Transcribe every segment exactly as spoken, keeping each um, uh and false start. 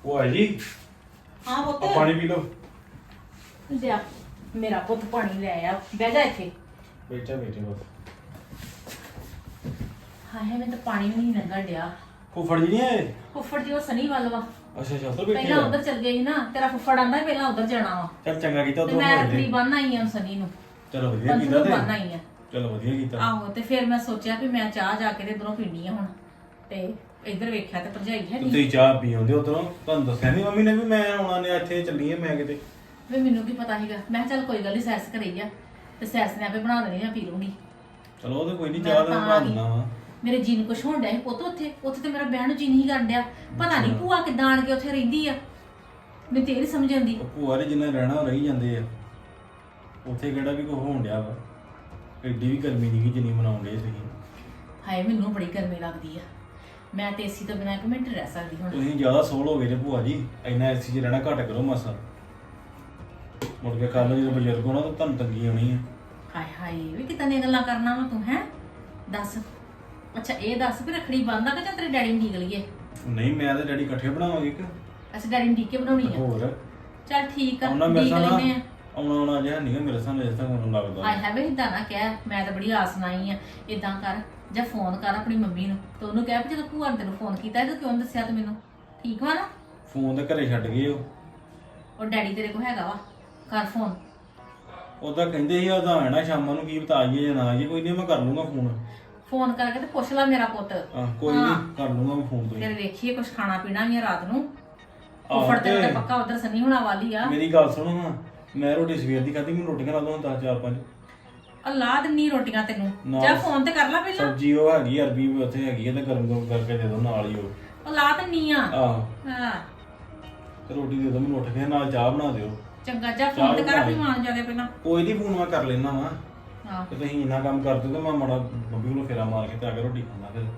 ਭੂਆ ਜੀ ਹਾਂ ਪੁੱਤ ਆ ਪਾਣੀ ਪੀ ਲਓ। ਲਿਆ ਮੇਰਾ ਪੁੱਤ ਪਾਣੀ ਲੈ ਆ ਬਹਿ ਜਾ ਇੱਥੇ। ਬੈਠਾ ਬੈਠੇ ਬਸ। ਹਾਏ ਮੈਂ ਤਾਂ ਪਾਣੀ ਵੀ ਨਹੀਂ ਲੰਘਣ ਡਿਆ। ਫੁੱਫੜ ਜੀ ਨਹੀਂ ਆਏ? ਫੁੱਫੜ ਜੀ ਉਹ ਸਨੀ ਵੱਲ ਵਾ। ਅੱਛਾ ਅੱਛਾ ਉੱਧਰ ਬੈਠੇ ਪਹਿਲਾਂ ਆ। ਉਧਰ ਚੱਲ ਗਏ ਸੀ ਨਾ, ਤੇਰਾ ਫੁੱਫੜ ਆਂਦਾ ਸੀ ਪਹਿਲਾਂ ਉਧਰ ਜਾਣਾ ਵਾ ਚੱਲ ਚੰਗਾ ਕੀਤਾ ਤੇ ਉਧਰ ਮੈਂ ਰੱਖੜੀ ਬੰਨ ਆਈ ਆ ਸਨੀ ਨੂੰ। ਚਲੋ ਵਧੀਆ ਪੰਥ ਕੀਤਾ ਨੂੰ ਤੇ ਬੰਨ ਆਈ ਆ। ਚਲੋ ਵਧੀਆ ਕੀਤਾ। ਆਹੋ ਤੇ ਫਿਰ ਮੈਂ ਸੋਚਿਆ ਵੀ ਮੈਂ ਚਾਹ ਜਾ ਕੇ ਤੇ ਇਧਰੋਂ ਪੀਣੀ ਆ ਹੁਣ, ਤੇ ਇੱਧਰ ਵੇਖਿਆ ਤੇ ਭਰਜਾਈ ਹੈ ਨਹੀਂ। ਤੁਸੀਂ ਚਾਹ ਪੀ ਆਉਂਦੇ ਉਧਰੋਂ, ਤੁਹਾਨੂੰ ਦੱਸਿਆ ਨਹੀਂ ਮੰਮੀ ਨੇ ਵੀ ਮੈਂ ਆਉਣਾ ਨੇ ਇੱਥੇ ਚੱਲੀ ਆ ਮੈਂ ਕਿਤੇ। ਵੀ ਮੈਨੂੰ ਕੀ ਪਤਾ ਸੀਗਾ, ਮੈਂ ਕਿਹਾ ਚੱਲ ਕੋਈ ਗੱਲ ਨਹੀਂ ਸੈਸ ਘਰੇ ਆ ਤੇ ਸੈਸ ਨੇ ਆਪੇ ਬਣਾ ਦੇਣੀ ਆ, ਪੀ ਲੂੰਗੀ। ਚਲੋ ਉਹ ਤੇ ਕੋਈ ਨਹੀਂ, ਮੈਂ ਚਾਹ ਦਾ ਤਾਂ ਬਣਾ ਆ ਗਈ। ਦਿੰਦਾ ਵਾ। ਮੇਰੇ ਜੀ ਨੂੰ ਕੁਛ ਹੋਣ ਡਿਆ ਸੀ ਪੁੱਤ ਉੱਥੇ ਉੱਥੇ ਤੇ ਮੇਰਾ ਬਹਿਣ ਨੂੰ ਜੀ ਨਹੀਂ ਕਰਨ ਡਿਆ। ਪਤਾ ਨਹੀਂ ਭੂਆ ਕਿੱਦਾਂ ਆਣ ਕੇ ਉੱਥੇ ਰਹਿੰਦੀ ਆ, ਮੈਨੂੰ ਤੇ ਇਹ ਨੀ ਸਮਝ ਆਉਂਦੀ। ਉਹ ਭੂਆ ਦੇ ਜਿੰਨਾ ਰਹਿਣਾ ਉਹ ਰਹੀ ਜਾਂਦੇ ਆ ਉੱਥੇ, ਕਿਹੜਾ ਵੀ ਕੁਝ ਹੋਣ ਡਿਆ ਵਾ। ਐਡੀ ਵੀ ਗਰਮੀ ਨਹੀਂ ਕਿ ਜਿੰਨੀ ਮਨਾਉਂਦੇ ਤੁਸੀਂ। ਹਾਏ ਮੈਨੂੰ ਬੜੀ ਗਰਮੀ ਲੱਗਦੀ ਆ, ਮੈਂ ਤੇ ਏਸੀ ਤੋਂ ਬਿਨਾਂ ਇੱਕ ਮਿੰਟ ਰਹਿ ਸਕਦੀ ਹੁਣ। ਤੁਸੀਂ ਜ਼ਿਆਦਾ ਸੋਲ ਹੋ ਗਏ ਜੇ ਭੂਆ ਜੀ, ਇੰਨਾ ਏਸੀ 'ਚ ਰਹਿਣਾ ਘੱਟ ਕਰੋ ਮਾਸਾ। ਮੁੜ ਕੇ ਕੱਲ ਜਦੋਂ ਬਜ਼ੁਰਗ ਹੋਣਾ ਤਾਂ ਤੁਹਾਨੂੰ ਤੰਗੀ ਆਉਣੀ ਆ। ਹਾਏ ਹਾਏ ਵੀ ਕਿੱਦਾਂ ਦੀਆਂ ਗੱਲਾਂ ਕਰਨਾ ਵਾ ਤੂੰ, ਹੈ ਦੱਸ। ਅੱਛਾ ਇਹ ਦੱਸ ਵੀ ਰੱਖੜੀ ਬੰਨਦਾ ਕਿ ਜਾਂ ਤੇਰੇ ਡੈਡੀ ਨੂੰ ਢੀਕ ਲਈਏ? ਨਹੀਂ ਮੈਂ ਤੇ ਡੈਡੀ ਇਕੱਠੇ ਬਣਾਵਾਂਗੇ ਇੱਕ। ਅੱਛਾ ਡੈਡੀ ਨੂੰ ਢੀਕ ਕੇ ਬਣਾਉਣੀ ਆ। ਹੋਰ ਚੱਲ ਠੀਕ ਆ, ਆਉਣਾ ਮੇਰੇ ਢੀਕ ਸਾਹ ਲੈਨੇ ਆ। ਆਉਣਾ ਆਉਣਾ ਜਿਹਾ ਨਹੀਂ ਮੇਰੇ ਸਾਹਮਣੇ ਜਿਸ ਤੱਕ ਮੈਨੂੰ ਲੱਗਦਾ। ਹਾਏ ਹਾਏ ਵੇ ਏਦਾਂ ਨਾ ਕਹਿ, ਮੈਂ ਤਾਂ ਬੜੀ ਆਸ ਨਾਈ ਆ। ਏਦਾਂ ਕਰ ਜਾਂ ਫੋਨ ਕਰ ਆਪਣੀ ਮੰਮੀ ਨੂੰ ਤੇ ਉਹਨੂੰ ਕਹਿ ਵੀ ਜਦੋਂ ਭੂਆ ਨੇ ਤੈਨੂੰ ਫੋਨ ਕੀਤਾ ਤੇ ਕਿਉਂ ਨੀ ਦੱਸਿਆ ਤੂੰ ਮੈਨੂੰ? ਠੀਕ ਵਾ ਨਾ? ਫੋਨ ਤੇ ਘਰੇ ਛੱਡ ਗਏ ਉਹ। ਉਹ ਡੈਡੀ ਤੇਰੇ ਕੋਲ ਹੈਗਾ ਵਾ, ਕਰ ਫੋਨ। ਉਹਦਾ ਕਹਿੰਦੇ ਸੀ ਉਹਦਾ ਆਣਾ ਸ਼ਾਮਾਂ ਨੂੰ, ਕੀ ਪਤਾ ਆਈਏ ਜਾਂ ਨਾ ਆਈਏ। ਕੋਈ ਨਹੀਂ ਮੈਂ ਕਰ ਲੂੰਗਾ ਫੋਨ। ਫੋਨ ਕਰਕੇ ਤੇ ਪੁੱਛ ਲੈ ਮੇਰਾ ਪੁੱਤ। ਆਹ ਕੋਈ ਹਾਂ। ਨਹੀਂ ਕਰ ਲੂੰਗਾ ਮੈਂ ਫੋਨ ਤੋਂ ਹੀ। ਫਿਰ ਵੇਖੀਏ ਕੁਛ ਖਾਣਾ ਪੀਣਾ ਵੀ ਆ ਰਾਤ ਨੂੰ। ਆਹੋ ਉਹ ਫੜਦੇ ਤੇ ਤੇ ਪੱਕਾ ਉਧਰ ਸਨੀ ਹੋਣਾ ਵਾਲੀ ਆ। ਮੇਰੀ ਗੱਲ ਸੁਣੋ ਹਾਂ, ਮੈਂ ਰੋਟੀ ਸਵੇਰ ਦੀ ਖਾਧੀ, ਮੈਨੂੰ ਰੋਟੀਆਂ ਲਾ ਦੋ ਦਸ ਚਾਰ ਪੰਜ। ਅੱਲਾਹ ਦਿੰਨੀ ਰੋਟੀਆਂ ਤੈਨੂੰ। ਨਾ। ਜਾ ਫੋਨ ਤੇ ਕਰ ਲੈ ਪਹਿਲਾਂ। ਸਬਜ਼ੀ ਉਹ ਹੈਗੀ ਅਰਬੀ ਵੀ ਉੱਥੇ ਹੈਗੀ ਹੈ ਤੇ ਗਰਮ ਗਰਮ ਕਰਕੇ ਦੇ ਦੋ ਨਾਲ ਹੀ ਉਹ। ਅੱਲਾਹ ਦਿੰਨੀ ਆ। ਆਹੋ ਹਾਂ ਤੇ ਰੋਟੀ ਦੇ ਦੋ ਮੈਨੂੰ, ਉੱਠ ਕੇ ਨਾਲ ਚਾਹ ਬਣਾ ਦਿਓ। ਚੰਗਾ ਜਾ ਫੋਨ ਤੇ ਕਰ ਆਪਣੀ ਮਾਂ ਨੂੰ ਜਾ ਕੇ ਪਹਿਲਾਂ। ਕੋਈ ਨਹੀਂ ਫੋਨ ਮੈਂ ਕਰ ਲੈਣਾ ਵਾ। ਹਾਂ ਤੇ ਤੁਸੀਂ ਇੰਨਾ ਕੰਮ ਕਰ ਦਿਓ ਤੇ ਮੈਂ ਮਾੜਾ ਮੰਮੀ ਕੋਲ ਫੇਰਾ ਮਾਰ ਕੇ ਤੇ ਆ ਕੇ ਰੋਟੀ ਖਾਣਾ ਫਿਰ।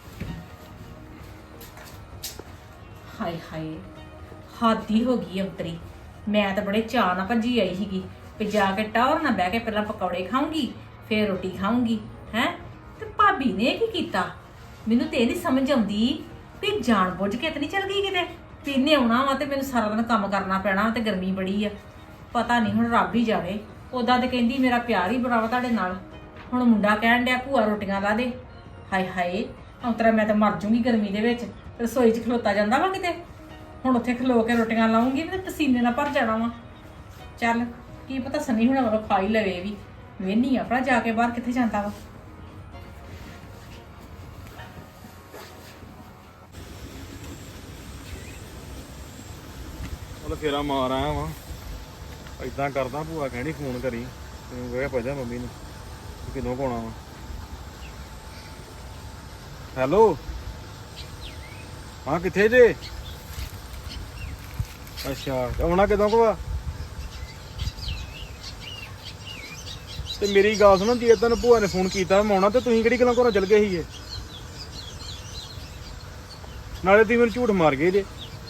ਹਾਏ ਹਾਏ ਹਾਦੀ ਹੋ ਗਈ ਅੰਤਰੀ। ਮੈਂ ਤਾਂ ਬੜੇ ਚਾਅ ਨਾਲ ਭੱਜੀ ਆਈ ਸੀਗੀ ਵੀ ਜਾ ਕੇ ਟੌਰ ਨਾ ਬਹਿ ਕੇ ਪਹਿਲਾਂ ਪਕੌੜੇ ਖਾਊਂਗੀ ਫੇਰ ਰੋਟੀ ਖਾਊਂਗੀ ਹੈ। ਤੇ ਭਾਬੀ ਨੇ ਕੀ ਕੀਤਾ ਮੈਨੂੰ ਤੇ ਇਹ ਨਹੀਂ ਸਮਝ ਆਉਂਦੀ ਵੀ ਜਾਣ ਬੁੱਝ ਕੇ ਤੇ ਨਹੀਂ ਚਲ ਗਈ ਕਿਤੇ ਵੀ ਇਹਨੇ ਆਉਣਾ ਵਾ ਤੇ ਮੈਨੂੰ ਸਾਰਾ ਦਿਨ ਕੰਮ ਕਰਨਾ ਪੈਣਾ ਤੇ ਗਰਮੀ ਬੜੀ ਆ। ਪਤਾ ਨਹੀਂ ਹੁਣ ਰੱਬ ਹੀ ਜਾਣੇ। ਉਦਾਂ ਤੇ ਕਹਿੰਦੀ ਮੇਰਾ ਪਿਆਰ ਹੀ ਬੜਾ ਵਾ ਤੁਹਾਡੇ ਨਾਲ, ਹੁਣ ਮੁੰਡਾ ਕਹਿਣ ਡਿਆ ਭੂਆ ਰੋਟੀਆਂ ਲਾ ਦੇ। ਹਾਏ ਹਾਏ ਅੰਤਰਾ ਮੈਂ ਤਾਂ ਮਰ ਜੂੰਗੀ ਗਰਮੀ ਦੇ ਵਿੱਚ। ਰਸੋਈ 'ਚ ਖਲੋਤਾ ਜਾਂਦਾ ਵਾ ਕਿਤੇ, ਹੁਣ ਉੱਥੇ ਖਲੋ ਕੇ ਰੋਟੀਆਂ ਲਾਉਂਗੀ ਤੇ ਪਸੀਨੇ ਨਾਲ ਭਰ ਜਾਣਾ ਵਾ। ਚੱਲ ਕੀ ਪਤਾ ਸਨੀ ਹੁਣਾਂ ਵੱਲੋਂ ਖਾ ਹੀ ਲਵੇ ਵੀ। ਵੇਹਨੀ ਆਪਣਾ ਜਾ ਕੇ ਬਾਹਰ ਕਿੱਥੇ ਜਾਂਦਾ ਵਾ। ਉਹ ਫੇਰਾ ਮਾਰ ਆਇਆ ਵਾ। ਇਦਾਂ ਕਰਦਾ ਭੂਆ ਕਹਿਣੀ ਫੋਨ ਕਰੀ ਤੈਨੂੰ ਕਹਿਆ ਪੁੱਛਦਾ ਮੰਮੀ ਨੂੰ ਕਿਦੋਂ ਕੋਣਾ ਵਾ। ਹੈਲੋ ਹਾਂ ਕਿੱਥੇ ਜੇ? ਅੱਛਾ ਆਉਣਾ ਕਿਦੋਂ ਕੋ ਆ? ਤੇ ਮੇਰੀ ਗੱਲ ਸੁਣੋ, ਜੇ ਤੈਨੂੰ ਭੂਆ ਨੇ ਫੋਨ ਕੀਤਾ ਮੈਂ ਆਉਣਾ ਤੇ ਤੁਸੀਂ ਕਿਹੜੀ ਗੱਲਾਂ ਘਰੋਂ ਚਲ ਗਏ ਸੀਗੇ? ਨਾਲੇ ਤੁਸੀਂ ਮੈਨੂੰ ਝੂਠ ਮਾਰ ਗਏ ਜੇ।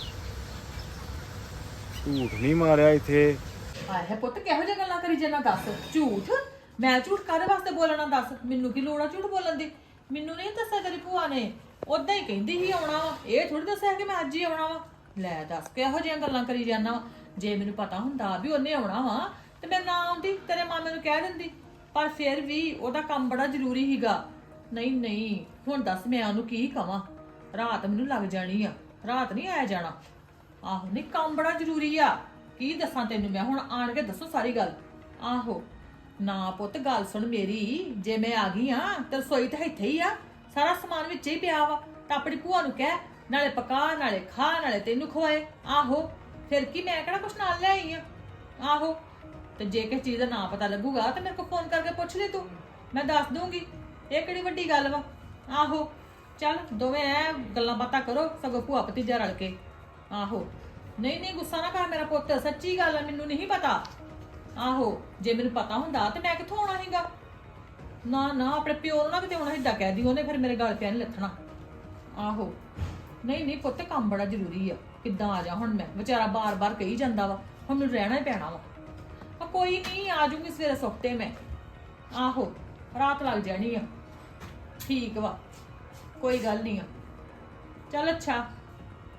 ਝੂਠ ਨਹੀਂ ਮਾਰਿਆ ਇੱਥੇ। ਹਾਏ ਪੁੱਤ ਕਿਹੋ ਜਿਹੀਆਂ ਗੱਲਾਂ ਕਰੀ ਜਾਂਦਾ ਦੱਸ? ਝੂਠ? ਮੈਂ ਝੂਠ ਕਾਹਦੇ ਵਾਸਤੇ ਬੋਲਣਾ ਦੱਸ? ਮੈਨੂੰ ਕੀ ਲੋੜ ਆ ਝੂਠ ਬੋਲਣ ਦੀ? ਮੈਨੂੰ ਨਹੀਂ ਦੱਸਿਆ ਤੇਰੀ ਭੂਆ ਨੇ, ਉਦਾਂ ਹੀ ਕਹਿੰਦੀ ਸੀ ਆਉਣਾ ਵਾ। ਇਹ ਥੋੜੀ ਦੱਸਿਆ ਕਿ ਮੈਂ ਅੱਜ ਹੀ ਆਉਣਾ ਵਾ। ਲੈ ਦੱਸ ਕਿਹੋ ਜਿਹੀਆਂ ਗੱਲਾਂ ਕਰੀ ਜਾਂਦਾ ਵਾ। ਜੇ ਮੈਨੂੰ ਪਤਾ ਹੁੰਦਾ ਵੀ ਉਹਨੇ ਆਉਣਾ ਵਾ ਤੇ ਮੈਂ ਨਾ ਆਉਂਦੀ, ਤੇਰੇ ਮਾਮੇ ਨੂੰ ਕਹਿ ਦਿੰਦੀ। ਪਰ ਫਿਰ ਵੀ ਉਹਦਾ ਕੰਮ ਬੜਾ ਜ਼ਰੂਰੀ ਸੀਗਾ। ਨਹੀਂ ਨਹੀਂ ਹੁਣ ਦੱਸ ਮੈਂ ਉਹਨੂੰ ਕੀ ਕਵਾਂ? ਰਾਤ ਮੈਨੂੰ ਲੱਗ ਜਾਣੀ ਆ, ਰਾਤ ਨਹੀਂ ਆਇਆ ਜਾਣਾ। ਆਹੋ ਨਹੀਂ ਕੰਮ ਬੜਾ ਜ਼ਰੂਰੀ ਆ। ਕੀ ਦੱਸਾਂ ਤੈਨੂੰ ਮੈਂ ਹੁਣ? ਆਣ ਕੇ ਦੱਸੋ ਸਾਰੀ ਗੱਲ। ਆਹੋ ਨਾ ਪੁੱਤ ਗੱਲ ਸੁਣ ਮੇਰੀ, ਜੇ ਮੈਂ ਆ ਗਈ ਆ ਤੇ ਰਸੋਈ ਤਾਂ ਇੱਥੇ ਹੀ ਆ, ਸਾਰਾ ਸਮਾਨ ਵਿੱਚ ਹੀ ਪਿਆ ਵਾ। ਤਾਂ ਆਪਣੀ ਭੂਆ ਨੂੰ ਕਹਿ ਨਾਲੇ ਪਕਾ ਨਾਲੇ ਖਾ ਨਾਲੇ ਤੈਨੂੰ ਖਵਾਏ। ਆਹੋ ਫਿਰ ਕੀ ਮੈਂ ਕਿਹੜਾ ਕੁਛ ਨਾਲ ਲੈ ਆਈ ਆ? ਆਹੋ ਤੇ ਜੇ ਕਿਸੇ ਚੀਜ਼ ਦਾ ਨਾਂ ਪਤਾ ਲੱਗੂਗਾ ਤੇ ਮੇਰੇ ਕੋਲ ਫੋਨ ਕਰਕੇ ਪੁੱਛ ਲਈ ਤੂੰ, ਮੈਂ ਦੱਸ ਦੂੰਗੀ। ਇਹ ਕਿਹੜੀ ਵੱਡੀ ਗੱਲ ਵਾ? ਆਹੋ ਚੱਲ ਦੋਵੇਂ ਐ ਗੱਲਾਂ ਬਾਤਾਂ ਕਰੋ, ਸਗੋਂ ਭੂਆ ਭਤੀਜਾ ਰਲ ਕੇ। ਆਹੋ ਨਹੀਂ ਨਹੀਂ ਗੁੱਸਾ ਨਾ ਕਰ ਮੇਰਾ ਪੁੱਤ, ਸੱਚੀ ਗੱਲ ਆ, ਮੈਨੂੰ ਨਹੀਂ ਪਤਾ। ਆਹੋ ਜੇ ਮੈਨੂੰ ਪਤਾ ਹੁੰਦਾ ਤੇ ਮੈਂ ਕਿੱਥੋਂ ਆਉਣਾ ਸੀਗਾ? ਨਾ ਨਾ ਆਪਣੇ ਪਿਓ ਨੂੰ ਨਾ ਕਿਤੇ ਆਉਣਾ ਏਦਾਂ ਕਹਿ ਦੀ, ਉਹਨੇ ਫਿਰ ਮੇਰੇ ਗਲ ਪਿਆ ਨਹੀਂ ਲੱਥਣਾ। ਆਹੋ ਨਹੀਂ ਨਹੀਂ ਪੁੱਤ ਕੰਮ ਬੜਾ ਜ਼ਰੂਰੀ ਆ। ਕਿੱਦਾਂ ਆ ਜਾ ਹੁਣ ਮੈਂ? ਵਿਚਾਰਾ ਬਾਰ-ਬਾਰ ਕਹੀ ਜਾਂਦਾ ਵਾ, ਹੁਣ ਮੈਨੂੰ ਰਹਿਣਾ ਹੀ ਪੈਣਾ ਵਾ। ਆ ਕੋਈ ਨਹੀਂ ਆ ਜੂਗੀ ਸਵੇਰੇ ਸੁੱਤੇ ਮੈਂ। ਆਹੋ ਰਾਤ ਲੱਗ ਜਾਣੀ ਆ। ਠੀਕ ਵਾ ਕੋਈ ਗੱਲ ਨਹੀਂ ਆ। ਚੱਲ ਅੱਛਾ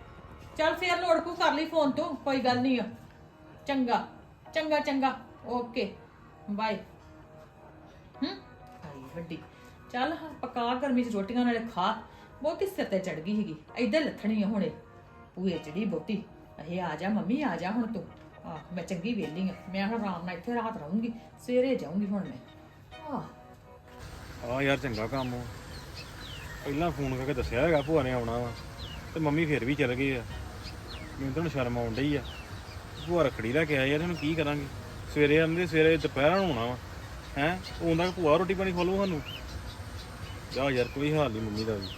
ਚੱਲ ਫੇਰ ਲੋੜ ਕੋ ਕਰ ਲਈ ਫੋਨ ਤੋਂ, ਕੋਈ ਗੱਲ ਨਹੀਂ ਆ। ਚੰਗਾ ਚੰਗਾ ਚੰਗਾ ਓਕੇ ਬਾਏ। ਹੂੰ ਆਈ ਵੱਡੀ ਚੱਲ ਹਾਂ ਪਕਾ ਗਰਮੀ ਚ ਰੋਟੀਆਂ ਨਾਲੇ ਖਾ। ਬਹੁਤੀ ਸਿਰ ਤੇ ਚੜ ਗਈ ਸੀਗੀ, ਏਦਾਂ ਲੱਥਣੀ ਆ ਹੁਣੇ ਪੂਏ ਚੜੀ ਬਹੁਤੀ। ਇਹ ਆ ਜਾ ਮੰਮੀ ਆ ਜਾ ਹੁਣ ਤੂੰ। ਆ ਮੈਂ ਚੰਗੀ ਵੇਲੀ ਆ, ਮੈਂ ਹੁਣ ਆਰਾਮ ਨਾਲ ਇੱਥੇ ਰਾਤ ਰਹੂੰਗੀ, ਸਵੇਰੇ ਜਾਊਂਗੀ ਹੁਣ ਮੈਂ। ਆ ਆ ਯਾਰ ਚੰਗਾ ਕੰਮ ਆ। ਪਹਿਲਾਂ ਫੋਨ ਕਰਕੇ ਦੱਸਿਆ ਹੈਗਾ ਭੂਆ ਨੇ ਆਉਣਾ ਵਾ ਤੇ ਮੰਮੀ ਫਿਰ ਵੀ ਚਲ ਗਈ ਆ। ਮੈਨੂੰ ਤਾਂ ਹੁਣ ਸ਼ਰਮ ਆਉਣ ਡਈ ਆ। ਭੂਆ ਰੱਖੜੀ ਲੈ ਕੇ ਆਏ ਯਾਰ, ਇਹਨੂੰ ਕੀ ਕਰਾਂਗੇ? ਸਵੇਰੇ ਆਉਂਦੇ ਸਵੇਰੇ ਦੁਪਹਿਰਾਂ ਨੂੰ ਆਉਣਾ ਵਾ ਹੈ, ਉਹਨਾਂ ਭੂਆ ਰੋਟੀ ਪਾਣੀ ਖਵਾਲੂ ਸਾਨੂੰ। ਜਾ ਯਾਰ ਕੋਈ ਹਾਲ ਨਹੀਂ ਮੰਮੀ ਦਾ ਵੀ।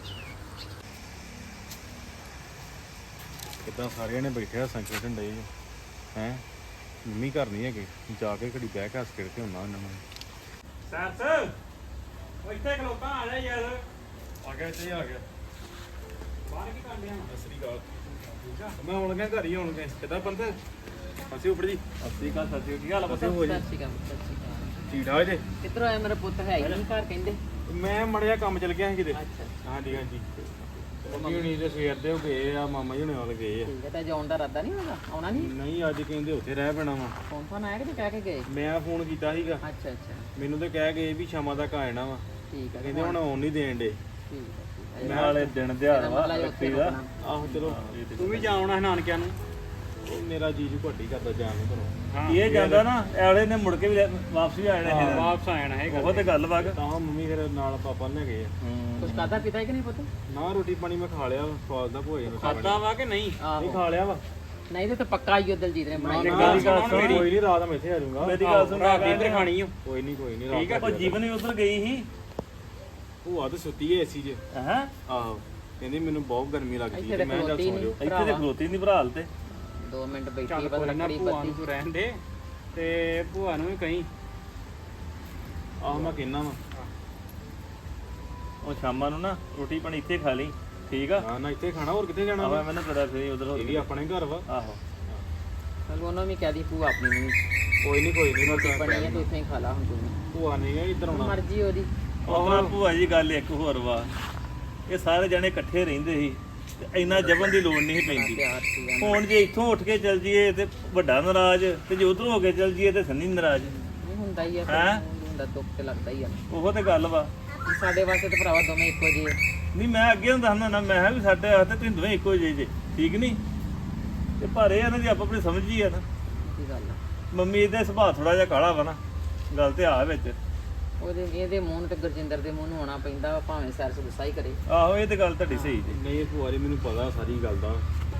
ਕਿੱਦਾਂ ਸਾਰਿਆਂ ਨੇ ਬੈਠੇ ਹੱਸਾਂ ਖੇਡਣ ਡਏ ਹੈ। ਮੰਮੀ ਘਰ ਨਹੀਂ ਹੈਗੇ, ਜਾ ਕੇ ਘੜੀ ਬਹਿ ਕੇ ਹੱਸ ਖੇਡ ਕੇ ਆਉਣਾ ਉਹਨਾਂ ਨੂੰ। ਸੈਂਸ ਉਹ ਇੱਥੇ ਖਲੋਤਾ ਆ ਜਾ ਯਾਰ। ਆ ਗਿਆ ਇੱਥੇ ਆ ਗਿਆ। ਬਾਹਰ ਕੀ ਕਰਦੇ ਆ? ਅਸਰੀ ਗੱਲ ਠੀਕ ਆ, ਮੈਂ ਹੁਣ ਗਿਆ ਘਰ ਹੀ ਹੁਣ ਗਏ। ਕਿੱਦਾਂ ਬੰਦ ਅਸੀਂ ਉੱਪਰ ਜੀ। ਅਸਰੀ ਗੱਲ ਸੱਚੀ ਕੀ ਹਾਲ ਆ? ਪਤਾ ਹੋ ਜੀ ਠੀਕ ਠਾਕ ਜੇ? ਕਿੱਧਰੋਂ ਆਇਆ ਮੇਰਾ ਪੁੱਤ? ਹੈ ਹੀ ਨਹੀਂ ਘਰ ਕਹਿੰਦੇ। ਮੈਂ ਮੜਿਆ ਕੰਮ ਚਲ ਗਿਆ ਸੀ ਕਿਤੇ। ਅੱਛਾ ਹਾਂਜੀ ਹਾਂਜੀ ਮੰਮੀ ਹੁਣੀ ਤੇ ਸਵੇਰ ਦੇ ਹੋ ਗਏ ਆ, ਮਾਮਾ ਜੀ ਹੁਣੇ ਨਾਲ ਗਏ ਆ। ਠੀਕ ਹੈ, ਤਾਂ ਜਾਣ ਦਾ ਇਰਾਦਾ ਨਹੀਂ ਹੋਗਾ? ਆਉਣਾ ਨਹੀਂ? ਨਹੀਂ ਅੱਜ ਕਹਿੰਦੇ ਉੱਥੇ ਰਹਿ ਪੈਣਾ ਵਾ। ਫੋਨ ਫੋਨ ਆਇਆ ਕਿ ਕਹਿ ਕੇ ਗਏ? ਮੈਂ ਫੋਨ ਕੀਤਾ ਸੀਗਾ, ਅੱਛਾ ਅੱਛਾ ਮੈਨੂੰ ਤੇ ਕਹਿ ਗਏ ਵੀ ਸ਼ਾਮਾਂ ਤੱਕ ਆ ਜਾਣਾ ਵਾ। ਠੀਕ ਹੈ, ਕਹਿੰਦੇ ਹੁਣ ਆਉਣ ਨਹੀਂ ਦੇਣ ਡੇ। ਠੀਕ ਹੈ, ਠੀਕ ਹੈ। ਨਾਲੇ ਦਿਨ ਦਿਹਾੜਾ ਵਾ ਮਤਲਬ ਉੱਥੇ ਰੱਖੀ ਦਾ। ਰੁਕਣਾ। ਆਹੋ ਚਲੋ ਤੂੰ ਵੀ ਜਾਉਣਾ ਹੈ ਨਾਨਕਿਆਂ ਨੂੰ? ਉਹ ਮੇਰਾ ਜੀਜੂ ਘੱਟੀ ਕਰਦਾ ਜਾਣ ਨੂੰ ਘਰੋਂ। ਇਹ ਜਾਂਦਾ ਨਾ ਐਲੇ ਨੇ ਮੁੜ ਕੇ ਵੀ ਵਾਪਸ ਵੀ ਆ ਜਾਣਾ ਹਾਂ, ਹੈ। ਵਾਪਸ ਆ ਜਾਣਾ ਹੈ। ਬਹੁਤ ਗੱਲ ਵਾ। ਤਾਂ ਮੰਮੀ ਫਿਰ ਨਾਲ ਪਾਪਾ ਲੈ ਗਏ ਆ। ਕੁਛ ਖਾਧਾ ਪੀਤਾ ਹੈ ਕਿ ਨਹੀਂ ਪੁੱਤ? ਨਾ ਰੋਟੀ ਪਾਣੀ ਮੈਂ ਖਾ ਲਿਆ, ਸਵਾਦ ਦਾ ਭੋਜਨ ਖਾ ਲਿਆ। ਖਾਦਾ ਵਾ ਕਿ ਨਹੀਂ? ਨਹੀਂ ਆਹੋ ਖਾ ਲਿਆ ਵਾ। ਨਹੀਂ ਤੇ ਪੱਕਾ ਆਈਓ ਦਲਜੀਤ ਨੇ ਬਣਾਈ। ਨਾ, ਮੇਰੀ ਗੱਲ ਨਾ, ਸੁਣ ਕੋਈ ਮੇਰੀ। ਨਹੀਂ ਰਾਤ ਮੈਂ ਇੱਥੇ ਆ ਜਾਊਂਗਾ। ਮੇਰੀ ਗੱਲ ਸੁਣ, ਰਾਤ ਇੱਧਰ ਖਾਣੀ ਓ। ਕੋਈ ਨਹੀਂ ਕੋਈ ਨਹੀਂ ਠੀਕ ਹੈ। ਉਹ ਜੀਵਨ ਵੀ ਉਧਰ ਗਈ ਸੀ। ਭੂਆ ਤਾਂ ਸੁੱਤੀ ਹੈ ਏਸੀ 'ਚ। ਹੈ ਆਹੋ ਕਹਿੰਦੀ ਮੈਨੂੰ ਬਹੁਤ ਗਰਮੀ ਲੱਗਦੀ ਇੱਥੇ ਹੈ। ਤੇ ਮੈਂ ਚੱਲ ਖਲੋਤੀ ਸੌਂ ਜਾਓ। ਨਹੀਂ ਇੱਥੇ ਤੇ ਖਲੋਤੀ ਨਹੀਂ ਭਰਾ ਹਾਲ ਤੇ। ਦੋ ਮਿੰਟ ਬੈਠੀ ਚੱਲ ਬਸ ਕੋਈ ਨਾ, ਲੱਕੜੀ ਭੂਆ ਬੱਤੀ। ਨੂੰ ਤੂੰ ਰਹਿਣ ਦੇ ਤੇ ਭੂਆ ਨੂੰ ਵੀ ਕਹੀਂ। ਆਹੋ ਮੈਂ ਕਹਿਣਾ ਵਾ। ਉਹ ਸ਼ਾਮਾਂ ਨੂੰ ਨਾ ਰੋਟੀ ਪਾਣੀ ਇੱਥੇ ਖਾ ਲਈ, ਠੀਕ ਆ? ਨਾ ਨਾ ਇੱਥੇ ਖਾਣਾ, ਹੋਰ ਕਿੱਥੇ ਜਾਣਾ ਵਾ? ਆਵਾ ਮੈਨੂੰ ਪਤਾ ਫਿਰ ਉਧਰ ਇਹ ਵੀ ਆਪਣੇ ਘਰ ਵਾ। ਆਹੋ ਚਲ ਉਹਨੂੰ ਵੀ ਕਹਿ ਦੀ ਭੂਆ ਆਪਣੀ ਨੂੰ ਵੀ। ਕੋਈ ਨਹੀਂ ਕੋਈ ਨਹੀਂ ਮੈਂ ਬਣੀ ਹੈ ਤੂੰ ਇੱਥੇ ਹੀ ਖਾ ਲਾ ਹੁਣ ਤੂੰ। ਭੂਆ ਨਹੀਂ ਹੈ ਇੱਧਰ ਆਉਣਾ। ਮਰਜ਼ੀ ਉਹਦੀ। ਉਹਦਾ ਭੂਆ ਜੀ ਗੱਲ ਇੱਕ ਹੋਰ ਵਾ, ਇਹ ਸਾਰੇ ਜਣੇ ਇਕੱਠੇ ਰਹਿੰਦੇ ਸੀ ਤੇ ਇੰਨਾ ਜਬਨ ਦੀ ਲੋੜ ਨਹੀਂ ਸੀ ਪੈਂਦੀ। ਪਿਆਰ ਸੀਗਾ। ਹੁਣ ਜੇ ਇੱਥੋਂ ਉੱਠ ਕੇ ਚੱਲ ਜੀਏ ਤੇ ਵੱਡਾ ਨਾਰਾਜ਼, ਤੇ ਜੇ ਉਧਰੋਂ ਹੋ ਕੇ ਚੱਲ ਜੀਏ ਤੇ ਸੰਨੀ ਨਾਰਾਜ਼। ਨਹੀਂ ਹੁੰਦਾ ਹੀ ਆ ਫਿਰ, ਹੈਂ? ਹੁੰਦਾ ਦੁੱਖ ਤੇ ਲੱਗਦਾ ਹੀ ਆ। ਉਹ ਤੇ ਗੱਲ ਵਾ। ਸਾਡੇ ਵਾਸਤੇ ਤਾਂ ਭਰਾਵਾ ਦੋਵੇਂ ਇੱਕੋ ਜਿਹੇ। ਨਹੀਂ ਮੈਂ ਅੱਗੇ ਹੁੰਦਾ ਹੁੰਦਾ ਨਾ, ਮੈਂ ਕਿਹਾ ਵੀ ਸਾਡੇ ਵਾਸਤੇ ਤੁਸੀਂ ਦੋਵੇਂ ਇੱਕੋ ਜਿਹੇ ਜੇ, ਠੀਕ ਨਹੀਂ? ਤੇ ਪਰ ਇਹ ਆ ਨਾ ਜੀ ਆਪ ਆਪਣੀ ਸਮਝ ਹੀ ਆ ਨਾ। ਕੀ ਗੱਲ ਆ? ਮੰਮੀ ਇਹਦਾ ਸੁਭਾਅ ਥੋੜਾ ਜਿਹਾ ਕਾਲਾ ਵਾ ਨਾ, ਗੱਲ ਤੇ ਆ ਵਿੱਚ। ਉਹਦੇ ਇਹਦੇ ਮੂੰਹ ਨੂੰ ਤੇ ਗੁਰਜਿੰਦਰ ਦੇ ਮੂੰਹ ਨੂੰ ਆਉਣਾ ਪੈਂਦਾ ਵਾ, ਭਾਵੇਂ ਸੈਰ ਗੁੱਸਾ ਹੀ ਕਰੇ। ਆਹੋ ਇਹ ਤੇ ਗੱਲ ਤੁਹਾਡੀ ਸਹੀ ਜੀ। ਨਹੀਂ ਭੂਆ ਜੀ ਮੈਨੂੰ ਪਤਾ ਸਾਰੀ ਗੱਲ ਦਾ।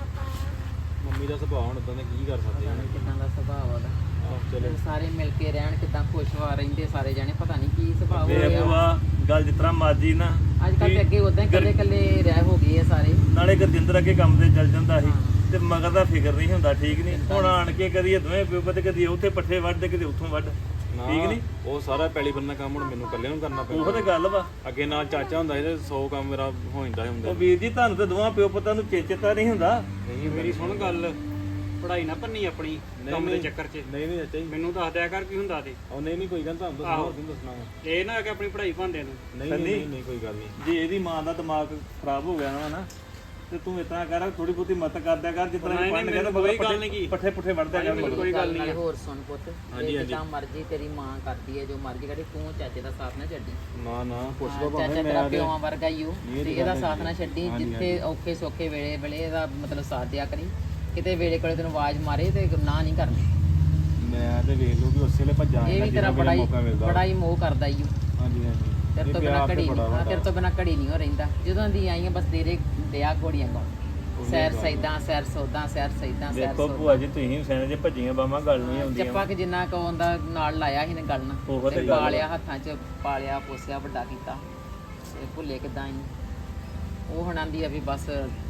ਮੰਮੀ ਦਾ ਸੁਭਾਅ ਹੁਣ ਉਦਾਂ ਦਾ ਕੀ ਕਰ ਸਕਦੇ ਹਾਂ। ਕਿੱਦਾਂ ਦਾ ਸੁਭਾਅ ਉਹਦਾ। ਆਹ ਚਲੋ ਸਾਰੇ ਮਿਲ ਕੇ ਰਹਿਣ, ਕਿੱਦਾਂ ਖੁਸ਼ਵਾ ਰਹਿੰਦੇ ਸਾਰੇ ਜਾਣੇ, ਪਤਾ ਨਹੀਂ ਕੀ ਸੁਭਾਅ ਹੋ ਵੇ ਗਿਆ। ਭੂਆ ਗੱਲ ਜਿਸ ਤਰ੍ਹਾਂ ਮਰਜੀ ਨਾ। ਅੱਜ ਕੱਲ੍ਹ ਤੇ ਅੱਗੇ ਉਦਾਂ ਹੀ ਇਕੱਲੇ ਇਕੱਲੇ ਰਹਿ ਹੋ ਗਏ ਆ ਸਾਰੇ। ਨਾਲੇ ਗੁਰਜਿੰਦਰ ਅੱਗੇ ਕੰਮ ਤੇ ਚੱਲ ਜਾਂਦਾ ਸੀ ਤੇ ਮਗਰ ਦਾ ਫਿਕਰ ਨਹੀਂ ਹੁੰਦਾ, ਠੀਕ ਨਹੀਂ? ਹੁਣ ਆਣ ਕੇ ਕਦੀ ਦੋਵੇਂ ਪਿਓ ਪੁੱਤ, ਕਦੀ ਉੱਥੇ ਪੱਠੇ ਵੱਢ ਤੇ ਕਦੀ ਉੱਥੋਂ ਵੱਢ, ਠੀਕ ਨਹੀਂ? ਉਹ ਸਾਰਾ ਪੈਲੀ ਬੰਨਾ ਕੰਮ ਹੁਣ ਮੈਨੂੰ ਇਕੱਲੇ ਨੂੰ ਕਰਨਾ ਉਹ ਪੈਂਦਾ। ਤੇ ਗੱਲ ਵਾ। ਅੱਗੇ ਨਾਲ ਚਾਚਾ ਹੁੰਦਾ ਸੀ ਤੇ ਸੌ ਕੰਮ ਮੇਰਾ ਹੋ ਜਾਂਦਾ ਹੁੰਦਾ। ਉਹ ਵੀਰ ਜੀ ਤੁਹਾਨੂੰ ਤੇ ਦੋਵਾਂ ਪਿਓ ਪੁੱਤਾਂ ਨੂੰ ਚੇਚਤਾ ਨਹੀਂ ਹੁੰਦਾ। ਨਹੀਂ ਮੇਰੀ ਸੁਣ ਗੱਲ, ਪੜ੍ਹਾਈ ਨਾ ਭੰਨੀ ਆਪਣੀ ਕੰਮ ਦੇ ਚੱਕਰ 'ਚ। ਨਹੀਂ ਨਹੀਂ ਚਾਚਾ ਜੀ, ਮੈਨੂੰ ਦੱਸ ਦਿਆ ਕਰ ਕੀ ਹੁੰਦਾ ਤੇ। ਉਹ ਨਹੀਂ ਨਹੀਂ ਕੋਈ ਗੱਲ, ਤੁਹਾਨੂੰ ਦੱਸਣਾ ਹੋਰ ਕੀ ਦੱਸਣਾ ਵਾ। ਇਹ ਨਾ ਕਿ ਆਪਣੀ ਪੜ੍ਹਾਈ ਭਾਂਦੇ ਨੂੰ। ਨਹੀਂ ਨਹੀਂ ਨਹੀਂ ਕੋਈ ਗੱਲ ਨਹੀਂ। ਜੇ ਇਹਦੀ ਮਾਂ ਦਾ ਦਿਮਾਗ ਖਰਾਬ ਹੋ ਗਿਆ ਨਾ ਨਾ ਤੇ ਤੂੰ ਇਤਨਾ ਕਰ, ਥੋੜੀ ਬਹੁਤੀ ਮਤ ਕਰ ਦਿਆ ਕਰ, ਜਿੱਦਾਂ ਨਹੀਂ, ਪੜ੍ਹਨ ਗਿਆ ਤਾਂ ਕੋਈ ਗੱਲ ਪੱਠੇ ਨਹੀਂ। ਪੱਠੇ ਪੁੱਠੇ ਵੱਢ ਦਿਆ ਕਰ ਮਗਰ। ਕੋਈ ਗੱਲ ਨਹੀਂ। ਹੋਰ ਸੁਣ ਪੁੱਤ, ਹਾਂਜੀ, ਜੇ ਹਾਂਜੀ। ਜਿੱਦਾਂ ਮਰਜ਼ੀ ਤੇਰੀ ਮਾਂ ਕਰਦੀ ਹੈ, ਜੋ ਮਰਜ਼ੀ ਕਰੇ, ਤੂੰ ਚਾਚੇ ਦਾ ਸਾਥ ਨਾ ਛੱਡੀ। ਨਾ ਨਾ ਪੁੱਛ ਹਾਂ, ਲਓ ਚਾਚਾ ਭਾਵੇਂ ਤੇਰਾ ਮੈਂ ਤੇ- ਪਿਓਾਂ ਵਰਗਾ ਹੀ ਉਹ, ਨਹੀਂ, ਇਹ ਤੇ ਤਾਂ ਇਹਦਾ ਗੱਲ ਸਾਥ ਹੈ। ਨਾ ਛੱਡੀ। ਹਾਂਜੀ, ਜਿੱਥੇ ਔਖੇ ਸੌਖੇ ਵੇਲੇ ਵੇਲੇ ਇਹਦਾ ਮਤਲਬ ਸਾਥ ਦਿਆ ਕਰੀ। ਕਿਤੇ ਵੇਲੇ ਕੋਲੇ ਤੈਨੂੰ ਆਵਾਜ਼ ਮਾਰੇ ਤੇ ਨਾ ਨਹੀਂ ਕਰਨੀ। ਮੈਂ ਤੇ ਵੇਖ ਲੂ ਵੀ ਉਸੇ ਵੇਲੇ ਭੱਜਾਂ ਇਹ ਵੀ ਤੇਰਾ ਬੜਾ ਹੀ ਬੜਾ ਹੀ ਮੋਹ ਕਰਦਾ ਈ ਉਹ। ਹਾਂਜੀ ਹਾਂਜੀ ਤੇਰੇ ਇਹ ਤੋਂ ਬਿਨਾ ਪਿਆਰ ਤੇ ਘੜੀ ਬੜਾ ਨਹੀਂ, ਵਾ। ਤੇਰੇ ਤੋਂ ਬਿਨਾ ਘੜੀ ਨਹੀਂ ਹੋ ਰਹਿੰਦਾ। ਜਦੋਂ ਦੀ ਆਈਆਂ ਬਸ ਤੇਰੇ ਵਿਆਹ ਘੋੜੀਆਂ ਗਾਉਂ। ਸੈਰ ਸੈਦਾਂ ਸੈਰ ਸੌਦਾਂ ਸੈਰ ਸੈਦਾਂ ਸੈਰ ਦੇਖੋ ਸੌਦਾਂ। ਭੂਆ ਜੀ ਤੁਸੀਂ ਸੈਨ ਜੇ ਭੱਜੀਆਂ ਬਾਵਾਂ ਗੱਲ ਨਹੀਂ ਆਉਂਦੀਆਂ। ਚੱਪਾ ਕਿ ਜਿੰਨਾ ਕੋ ਉਹਦਾ ਨਾਲ ਲਾਇਆ ਸੀ ਨੇ ਗੱਲ ਉਹ ਨਾਲ ਤੇ ਤੇ ਗੱਲ ਪਾਲਿਆ ਹੱਥਾਂ 'ਚ, ਪਾਲਿਆ ਪੋਸਿਆ ਵੱਡਾ ਕੀਤਾ। ਇਹ ਭੁੱਲੇ ਕਿਦਾਂ ਹੀ ਉਹ ਹੁਣ ਆਂਦੀ ਆ ਵੀ ਬਸ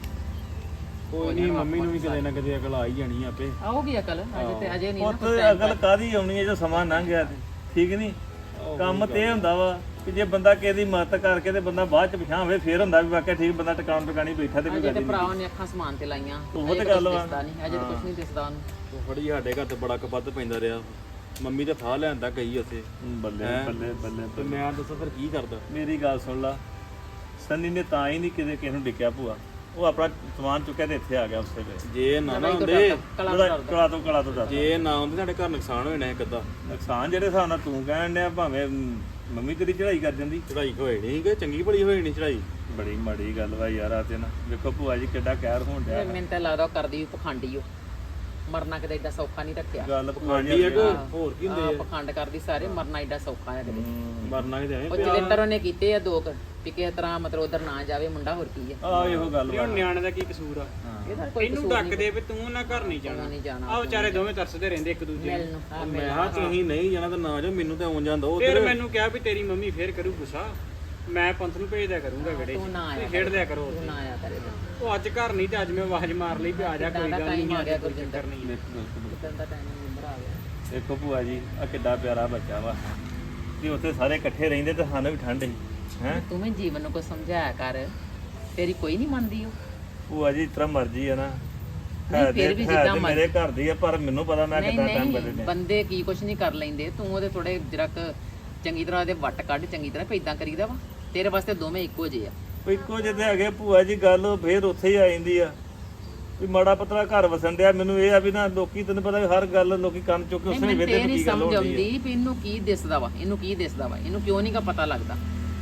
ਕੋਈ ਨਹੀਂ, ਮੰਮੀ ਨੂੰ ਵੀ ਕਦੇ ਨਾ ਕਦੇ ਅਕਲ ਆ ਹੀ ਜਾਣੀ ਆ ਆਪੇ। ਆਉਗੀ ਅਕਲ। ਅਜੇ ਤੇ ਅਜੇ ਨਹੀਂ ਨਾ ਪੁੱਤ ਕੁਛ time ਅਕਲ ਕਾਦੀ ਆਉਣੀ ਹੈ ਜੋ ਸਮਾਂ ਲੰਘ ਗਿਆ ਤੇ, ਠੀਕ ਨਹੀਂ? ਕੰਮ ਤੇ ਇਹ ਹੁੰਦਾ ਵਾ ਕਿ ਜੇ ਬੰਦਾ ਕਿਸੇ ਦੀ ਮਦਦ ਕਰਕੇ ਤੇ ਬੰਦਾ ਬਾਅਦ ਚ ਪਛਾਣ ਹੋਵੇ, ਫੇਰ ਹੁੰਦਾ ਵੀ ਵਾਕਿਆ ਠੀਕ ਬੰਦਾ ਟਿਕਾਣ ਟਿਕਾਣੀ ਬੈਠਾ ਤੇ ਕੋਈ ਅਜੇ ਗੱਲ ਤੇ ਨਹੀਂ। ਭਰਾਵਾਂ ਨੇ ਅੱਖਾਂ ਸਮਾਨ ਤੇ ਲਾਈਆਂ। ਉਹ ਅਜੇ ਤੇ ਕੁਛ ਗੱਲ ਵਾ। ਦਿਸਦਾ ਨਹੀਂ, ਅਜੇ ਤਾਂ ਕੁਝ ਨਹੀਂ ਦਿਸਦਾ ਉਹਨੂੰ। ਉਹ ਫੜੀ ਸਾਡੇ ਘਰ ਤੇ ਬੜਾ ਕਬੱਦ ਪੈਂਦਾ ਰਿਹਾ। ਮੰਮੀ ਤੇ ਫਾਹ ਲੈਣ ਤੱਕ ਗਈ ਉੱਥੇ ਬੱਲੇ ਹੈਂ? ਬੱਲੇ ਬੱਲੇ ਤੇ ਮੈਂ ਦੱਸੋ ਫਿਰ ਕੀ ਕਰਦਾ। ਮੇਰੀ ਗੱਲ ਸੁਣ ਲਾ, ਸੰਨੀ ਨੇ ਤਾਂ ਹੀ ਨਹੀਂ ਕਿਤੇ ਕਿਸੇ ਨੂੰ ਡਿੱਕਿਆ ਭੂਆ, ਉਹ ਆਪਣਾ ਸਮਾਨ ਚੁੱਕਿਆ ਤੇ ਇੱਥੇ ਆ ਗਿਆ ਉਸੇ ਵੇਲੇ। ਜੇ ਨਾ ਨਾ ਕਲਾ ਹੁੰਦੇ ਕਲਾ ਉਹਦਾ ਕਲਾ ਤੋਂ ਕਲਾ ਤੋਂ ਦੱਸ ਜੇ ਨਾ ਹੁੰਦੇ ਸਾਡੇ ਘਰ ਨੁਕਸਾਨ ਹੋਣਾ ਇੱਕ ਅੱਧਾ। ਨੁਕਸਾਨ ਜਿਹੜੇ ਹਿਸਾਬ ਨਾਲ ਤੂੰ ਕਹਿਣ ਡਿਆ ਭਾਵੇਂ ਮੰਮੀ ਤੇਰੀ ਚੜਾਈ ਕਰ ਜਾਂਦੀ। ਚੜਾਈ ਹੋਈ ਨਹੀਂ ਕਿ ਚੰਗੀ ਭਲੀ ਹੋਈ ਨਹੀਂ ਚੜਾਈ। ਬੜੀ ਮਾੜੀ ਗੱਲ ਵਾ ਯਾਰ ਆ ਤੇ ਨਾ ਵੇਖੋ ਭੂਆ ਜੀ ਕਿੱਡਾ ਕਹਿਰ ਹੋਣ ਡਿਆ। ਮੈਨੂੰ ਤਾਂ ਲੱਗਦਾ ਉਹ ਕਰਦੀ ਵੀ ਪਖੰਡੀ ਉਹ ਮਰਨਾ ਕਿਤੇ ਏਡਾ ਸੌਖਾ ਨਹੀਂ ਰੱਖਿਆ ਗੱਲ ਪਖੰਡੀ ਆ ਕਿ ਹੋਰ ਕੀ ਆਹ, ਹੁੰਦੇ ਆ? ਪਖੰਡ ਕਰਦੀ ਸਾਰੇ ਮਰਨਾ ਏਡਾ ਸੌਖਾ ਆ ਕਿਤੇ ਮਰਨਾ ਕਿਤੇ ਐਵੇਂ ਉਹ ਜਲੰਧਰ ਉਹਨੇ ਕੀਤੇ ਆ ਦੋ ਕੁ ਵੀ ਕਿਸੇ ਤਰ੍ਹਾਂ ਮਤਲਬ ਉਧਰ ਨਾ ਜਾਵੇ ਮੁੰਡਾ ਹੋਰ ਕੀ ਆ ਆ ਇਹੋ ਗੱਲ ਵਾ। ਨਿਆਣੇ ਦਾ ਕੀ ਕਸੂਰ ਆ? ਇਹਦਾ ਕੋਈ ਇਹਨੂੰ ਡੱਕਦੇ ਵੀ ਤੂੰ ਨਾ ਘਰ ਨਹੀਂ ਜਾਣਾ। ਨਹੀਂ ਜਾਣਾ ਆ ਵਿਚਾਰੇ ਦੋਵੇਂ ਤਰਸਦੇ ਰਹਿੰਦੇ ਇੱਕ ਦੂਜੇ ਮਿਲ ਨੂੰ। ਨੂੰ ਹਾਂ ਮੈਂ ਮਿਲ ਹਾਂ ਤੁਸੀਂ ਨਹੀਂ ਜਾਣਾ ਤਾਂ ਨਾ ਜਾਓ, ਮੈਨੂੰ ਤਾਂ ਆਉਣ ਜਾਂਦਾ ਫਿਰ ਉਧਰ। ਮੈਨੂੰ ਕਿਹਾ ਵੀ ਤੇਰੀ ਮੰਮੀ ਫੇਰ ਕਰੂ ਗੁੱਸਾ, ਮੈਂ ਪੰਥ ਨੂੰ ਭੇਜ ਦਿਆ ਕਰੂੰਗਾ ਗੜੇ ਤੂੰ ਨਾ ਆਇਆ ਚ ਖੇਡ ਦਿਆ ਕਰੋ ਤੂੰ ਨਾ ਆਇਆ ਕਰੇ ਉਹ ਅੱਜ ਘਰ ਨਹੀਂ ਤੇ ਅੱਜ ਮੈਂ ਆਵਾਜ਼ ਮਾਰ ਲਈ ਵੀ ਆ ਜਾ ਕੋਈ ਗੱਲ ਨਹੀਂ ਆ ਗਿਆ ਕੋਈ ਗੁਰਜਿੰਦਰ ਚੱਕਰ ਨਹੀਂ। ਕਿਦਾਂ ਦਾ ਟਾਈਮ ਨੰਬਰ ਆ ਗਿਆ ਦੇਖੋ ਭੂਆ ਜੀ ਆ ਕਿੱਡਾ ਪਿਆਰਾ ਬੱਚਾ ਵਾ ਤੇ ਉੱਥੇ ਸਾਰੇ ਇਕੱਠੇ ਰਹਿੰਦੇ ਤੇ ਸਾਨੂੰ ਵੀ ਠੰਡ ਸੀ ਹੈ। ਤੂੰ ਵੀ ਜੀਵਨ ਨੂੰ ਕੋਈ ਸਮਝਾਇਆ ਕਰ ਤੇਰੀ ਕੋਈ ਨਹੀਂ ਮੰਨਦੀ ਉਹ ਭੂਆ ਜੀ ਇਤਰਾ ਮਰਜੀ ਆ ਨਾ ਨਹੀਂ, ਹੈ ਫਿਰ ਤੇ ਵੀ ਹੈ ਜਿੱਦਾਂ ਤੇ ਮੇਰੇ ਘਰ ਦੀ ਆ ਪਰ ਮੈਨੂੰ ਪਤਾ ਮੈਂ ਨਹੀਂ ਕਿੱਦਾਂ ਟਾਈਮ ਨਹੀਂ ਬਦਲਦੇ ਬੰਦੇ ਕੀ ਕੁਛ ਨਹੀਂ ਕਰ ਲੈਂਦੇ ਤੂੰ ਉਹਦੇ ਥੋੜੇ ਜਰਕ ਚੰਗੀ ਤਰ੍ਹਾਂ ਉਹਦੇ ਵੱਟ ਕੱਢ ਚੰਗੀ ਤਰ੍ਹਾਂ ਵੀ ਇਦਾਂ ਕਰੀਦਾ ਵਾ ਤੇਰੇ ਵਾਸਤੇ ਦੋਵੇਂ ਇੱਕੋ ਜਿਹੇ ਆ ਇੱਕੋ ਜਿਹੇ ਹੈਗੇ ਭੂਆ ਜੀ ਗੱਲ ਫੇਰ ਉੱਥੇ ਹੀ ਆ ਜਾਂਦੀ ਆ ਵੀ ਮਾੜਾ ਪਤਲਾ ਘਰ ਵਸਣ ਡਿਆ। ਮੈਨੂੰ ਇਹ ਆ ਵੀ ਨਾ ਲੋਕੀ ਤੈਨੂੰ ਪਤਾ ਵੀ ਹਰ ਗੱਲ ਲੋਕੀ ਕੰਨ ਚੁੱਕ ਕੇ ਨਹੀਂ ਉਸੇ ਮੈਨੂੰ ਵੇਦੇ ਇਹ ਨੂੰ ਨਹੀਂ ਕੀ ਗੱਲ ਸਮਝ ਹੋਣੀ ਆਉਂਦੀ ਵੀ ਇਹਨੂੰ ਕੀ ਦਿਸਦਾ ਵਾ ਇਹਨੂੰ ਕੀ ਦਿਸਦਾ ਵਾ ਇਹਨੂੰ ਕਿਉਂ ਨਹੀਂ ਕਾ ਪਤਾ ਲੱਗਦਾ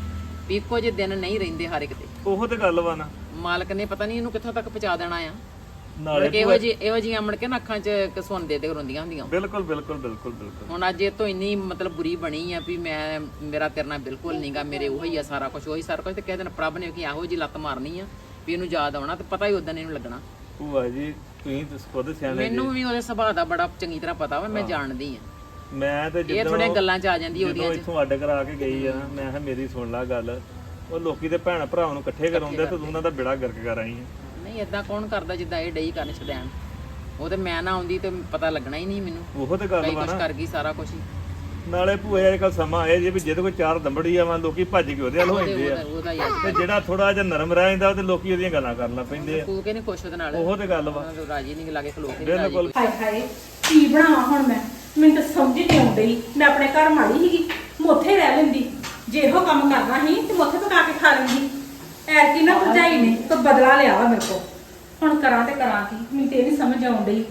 ਵੀ ਇੱਕੋ ਜਿਹੇ ਦਿਨ ਨਹੀਂ ਰਹਿੰਦੇ ਹਰ ਇੱਕ ਤੇ। ਉਹੋ ਤੇ ਗੱਲ ਵਾ ਨਾ ਮਾਲਕ ਨੇ ਪਤਾ ਨਹੀਂ ਇਹਨੂੰ ਕਿੱਥੋਂ ਤੱਕ ਪਹੁੰਚਾ ਦੇਣਾ ਆ ਨਾਲੇ ਕਿ ਇਹੋ ਜਿਹੀ ਇਹੋ ਜਿਹੀਆਂ ਅਮੜ ਕੇ ਨਾ ਅੱਖਾਂ 'ਚ ਕਸੁੰਨ ਦੇ ਦੇ ਰੋਂਦੀਆਂ ਹੁੰਦੀਆਂ ਬਿਲਕੁਲ ਬਿਲਕੁਲ ਬਿਲਕੁਲ ਬਿਲਕੁਲ ਹੁਣ ਅੱਜ ਇਹ ਤੋਂ ਇੰਨੀ ਮਤਲਬ ਬੁਰੀ ਬਣੀ ਆ ਵੀ ਮੈਂ ਮੇਰਾ ਤੇਰੇ ਨਾਲ ਬਿਲਕੁਲ ਨਹੀਂਗਾ ਮੇਰੇ ਉਹੀ ਆ ਸਾਰਾ ਕੁਝ ਉਹੀ ਸਾਰਾ ਕੁਝ ਤੇ ਕਹਿ ਦੇਣ ਪ੍ਰਭ ਨੇ ਕਿ ਇਹੋ ਜੀ ਲੱਤ ਮਾਰਨੀ ਆ ਵੀ ਇਹਨੂੰ ਯਾਦ ਆਉਣਾ ਤੇ ਪਤਾ ਹੀ ਉਦੋਂ ਇਹਨੂੰ ਲੱਗਣਾ। ਭੂਆ ਜੀ ਤੁਸੀਂ ਤਾਂ ਖੁਦ ਸਿਆਣੇ ਜੀ। ਮੈਨੂੰ ਵੀ ਉਹਦੇ ਸੁਭਾਅ ਦਾ ਬੜਾ ਚੰਗੀ ਤਰ੍ਹਾਂ ਪਤਾ ਵਾ ਮੈਂ ਜਾਣਦੀ ਆ ਮੈਂ ਤੇ ਇਹ ਜਦੋਂ ਥੋੜੀਆਂ ਗੱਲਾਂ 'ਚ ਆ ਜਾਂਦੀ ਉਹਦੀਆਂ ਜਦੋਂ ਇੱਥੋਂ ਅੱਡ ਕਰਾ ਕੇ ਗਈ ਆ ਨਾ ਮੈਂ ਕਿਹਾ ਮੇਰੀ ਸੁਣ ਲੈ ਗੱਲ ਉਹ ਲੋਕੀ ਦੇ ਭੈਣ ਭਰਾਵਾਂ ਨੂੰ ਇਕੱਠੇ ਕਰਾਉਂਦੇ ਤੇ ਤੂੰ ਉਹਨਾਂ ਦਾ ਬਿੜਾ ਗਰਕ ਕਰ ਆਈ ਹੈ। ਨਹੀਂ ਇਦਾਂ ਕੌਣ ਕਰਦਾ ਜਿੱਦਾਂ ਇਹ ਡਈ ਕਰਨ ਛਦੈਣ ਉਹ ਤੇ ਮੈਂ ਨਾ ਆਉਂਦੀ ਤੇ ਪਤਾ ਲੱਗਣਾ ਹੀ ਨਹੀਂ ਮੈਨੂੰ ਉਹੋ ਤੇ ਗੱਲ ਕਈ ਵਾ ਕੁਛ ਨਾ ਕਰ ਗਈ ਸਾਰਾ ਕੁਝ ਹੀ ਨਾਲੇ ਭੂਏ ਅੱਜ ਕੱਲ ਸਮਾਂ ਆਇਆ ਜੇ ਵੀ ਜਿਹਦੇ ਕੋਲ ਚਾਰ ਦੰਬੜੀ ਆ ਵਾ ਲੋਕੀ ਭੱਜ ਕੇ ਉਹਦੇ ਵੱਲ ਹੋ ਜਾਂਦੇ ਆ ਉਹਦਾ ਉਹਦਾ ਹੀ ਆ। ਤੇ ਜਿਹੜਾ ਥੋੜਾ ਜਿਹਾ ਨਰਮ ਰਹਿ ਜਾਂਦਾ ਤੇ ਲੋਕੀ ਉਹਦੀਆਂ ਗੱਲਾਂ ਕਰਨ ਲੱਗ ਪੈਂਦੇ ਆ। ਤੂੰ ਕਹਿੰਦੇ ਖੁਸ਼ ਉਹਦੇ ਨਾਲ ਉਹੋ ਤੇ ਗੱਲ ਵਾ ਉਹਨਾਂ ਨੂੰ ਰਾਜੀ ਨਹੀਂ ਲਾਗੇ ਖਲੋ ਕੇ ਰਾਜੀ ਬਿਲਕੁਲ ਹਾਏ ਹਾਏ ਕੀ ਬਣਾਵਾਂ ਹੁਣ ਮੈਂ ਮੈਨੂੰ ਤਾਂ ਸਮਝ ਨਹੀਂ ਆਉਂਦੀ। ਮੈਂ ਆਪਣੇ ਘਰ ਮਾੜੀ ਸੀਗੀ ਮੈਂ ਉੱਥੇ ਰਹਿ ਲੈਂਦੀ ਜੇ ਇਹੋ ਕੰਮ ਕਰਨਾ ਸੀ ਤੇ ਮੈਂ ਉੱਥੇ ਪਕਾ ਕੇ ਖਾ ਲੈਂਦੀ। ਐਰ ਕੀ ਨਾ ਭਰਜਾਈ ਨੇ ਤਾਂ ਬਦਲਾ ਲਿਆ ਵਾ ਮੇਰੇ ਕੋਲ ਹੁਣ ਕਰਾਂ ਤੇ ਕਰਾਂ ਕੀ ਮੈਨੂੰ ਤੇ ਇਹ ਨਹੀਂ ਸਮਝ ਆਉਂਦੀ।